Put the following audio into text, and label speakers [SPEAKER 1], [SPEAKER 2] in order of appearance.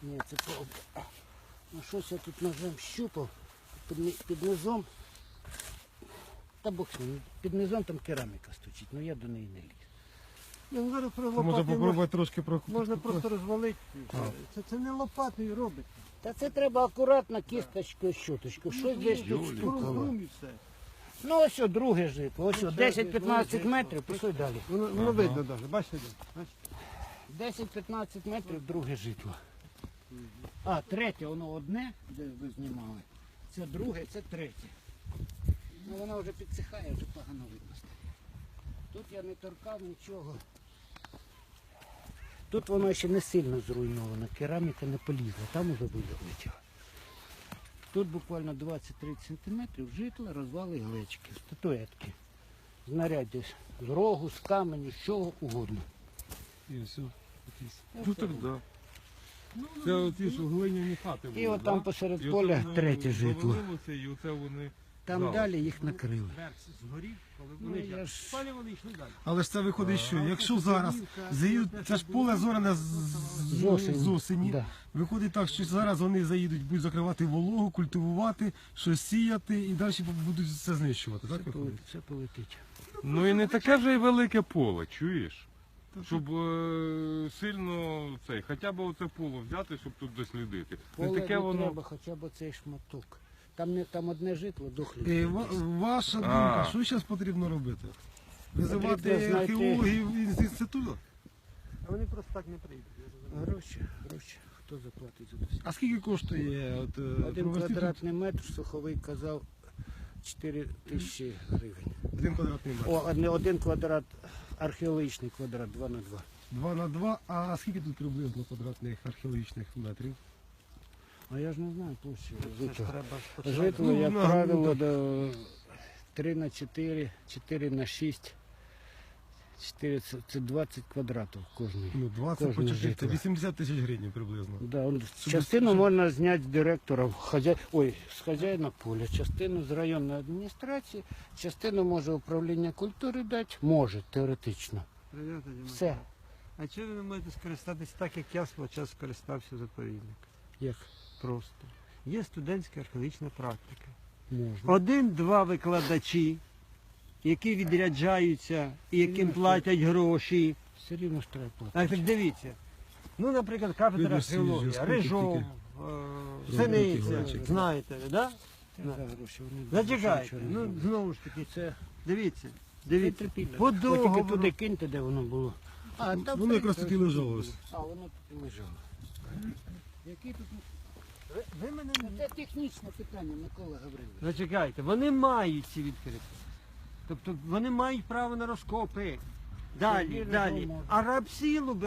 [SPEAKER 1] Ні, це повка. Ну щось я тут ножем щупав під низом. Та бог з ним, під низом там кераміка стучить, але я до неї не ліз.
[SPEAKER 2] Ну, зараз про
[SPEAKER 3] Можна
[SPEAKER 2] лопатою
[SPEAKER 3] попробувати трошки
[SPEAKER 2] можна просто розвалити. Це не лопатою робить.
[SPEAKER 1] Та це треба акуратно кісточкою, щоточкою. Щось десь тут стукало.
[SPEAKER 2] Крум і все.
[SPEAKER 1] Ну ось о, друге житло. Ось о, 10-15 метрів, пішли далі.
[SPEAKER 2] Воно видно навіть, бачите? Бачите?
[SPEAKER 1] 10-15 метрів друге житло. А, третє, воно одне, де ви знімали. Це друге, це третє. Ну воно вже підсихає, вже погано видно. Тут я не торкав нічого. Тут воно ще не сильно зруйновано, кераміка не полізла, там уже вилетіло. Тут буквально 20-30 см житла, розвали глечки, статуетки. Знаряддя з рогу, з каменю, з чого угодно.
[SPEAKER 3] І все. Ну так да. Це оті ж глиняні хати були.
[SPEAKER 1] І от там
[SPEAKER 3] да?
[SPEAKER 1] посеред
[SPEAKER 3] І
[SPEAKER 1] поля
[SPEAKER 3] оце воно
[SPEAKER 1] третє житло.
[SPEAKER 3] завалилося, і оце вони...
[SPEAKER 1] Там
[SPEAKER 3] Да.
[SPEAKER 1] далі їх накрили.
[SPEAKER 2] Верх згорів, коли
[SPEAKER 1] Ну,
[SPEAKER 2] вони
[SPEAKER 1] я ж-
[SPEAKER 2] спалі, вони йшли далі.
[SPEAKER 3] Але ж це виходить, що якщо зараз заїдуть, це ж поле зорене з осені.
[SPEAKER 1] Да.
[SPEAKER 3] Виходить так, що зараз вони заїдуть, будуть закривати вологу, культивувати, щось сіяти і далі будуть все знищувати. Так виходить?
[SPEAKER 1] Це полетить.
[SPEAKER 4] Ну і не таке вже й велике поле, чуєш? Щоб сильно цей, хоча б оце поле взяти, щоб тут дослідити.
[SPEAKER 1] Поле
[SPEAKER 4] Не таке
[SPEAKER 1] не
[SPEAKER 4] воно.
[SPEAKER 1] треба, хоча б цей шматок. Там одне житло, дохлі.
[SPEAKER 3] Ваша думка, що зараз потрібно робити? Визивати
[SPEAKER 1] Потрібно знайти-
[SPEAKER 3] археологів з інституту?
[SPEAKER 2] А вони просто так не прийдуть.
[SPEAKER 1] Гроші. Хто заплатить за це?
[SPEAKER 3] А скільки коштує от,
[SPEAKER 1] Один
[SPEAKER 3] провести тут
[SPEAKER 1] квадратний метр, Суховий казав 4 тисячі гривень.
[SPEAKER 3] 1 квадратний метр?
[SPEAKER 1] О, один квадрат, археологічний квадрат, 2 на 2.
[SPEAKER 3] 2 на 2, а скільки тут приблизно квадратних археологічних метрів?
[SPEAKER 1] А я ж не знаю площі
[SPEAKER 2] Це ж
[SPEAKER 1] житла.
[SPEAKER 2] треба спочатку.
[SPEAKER 1] Житло,
[SPEAKER 3] Ну,
[SPEAKER 1] як
[SPEAKER 3] на-
[SPEAKER 1] правило, до 3 на 4, 4 на 6. 4 це 20 квадратів кожний.
[SPEAKER 3] Ну, 20 по
[SPEAKER 1] Кожне
[SPEAKER 3] 4, це
[SPEAKER 1] житло.
[SPEAKER 3] 80 тисяч гривень приблизно.
[SPEAKER 1] Да, частину можна зняти з директора, з хазяїна поля, частину з районної адміністрації, частину може управління культури дати, може, теоретично.
[SPEAKER 2] Ребята, Діма,
[SPEAKER 1] Все.
[SPEAKER 2] А чого ви не можете скористатися так, як я свого часу скористався заповідник?
[SPEAKER 1] Як
[SPEAKER 2] Просто. Є студентська археологічна практика.
[SPEAKER 1] можна.
[SPEAKER 2] Один-два викладачі, які відряджаються і яким платять гроші.
[SPEAKER 1] Все рівно ж треба платити.
[SPEAKER 2] Так дивіться. Ну, наприклад, кафедра
[SPEAKER 3] Видно,
[SPEAKER 2] археології,
[SPEAKER 3] скільки
[SPEAKER 2] Рижов,
[SPEAKER 3] тільки.
[SPEAKER 2] Синиця,
[SPEAKER 3] Глечик.
[SPEAKER 2] знаєте, да?
[SPEAKER 1] Це за гроші, вони
[SPEAKER 2] Зачекайте,
[SPEAKER 1] нічого не
[SPEAKER 2] ну
[SPEAKER 1] роблять.
[SPEAKER 2] знову ж таки,
[SPEAKER 1] Це
[SPEAKER 2] дивіться,
[SPEAKER 1] це
[SPEAKER 2] дивіться.
[SPEAKER 1] терпіння.
[SPEAKER 2] По
[SPEAKER 1] Ви тільки
[SPEAKER 2] договору.
[SPEAKER 1] туди киньте, де воно було. А, там
[SPEAKER 3] Воно якраз тут і лежало ось.
[SPEAKER 1] А, воно тут і лежало. Які тут...
[SPEAKER 2] Ви мене не...
[SPEAKER 1] Це технічне питання, Микола Гаврилович.
[SPEAKER 2] Зачекайте, вони мають ці відкрити. Тобто вони мають право на розкопи. Далі,
[SPEAKER 1] Рижов
[SPEAKER 2] далі.
[SPEAKER 1] може.
[SPEAKER 2] А рабсілу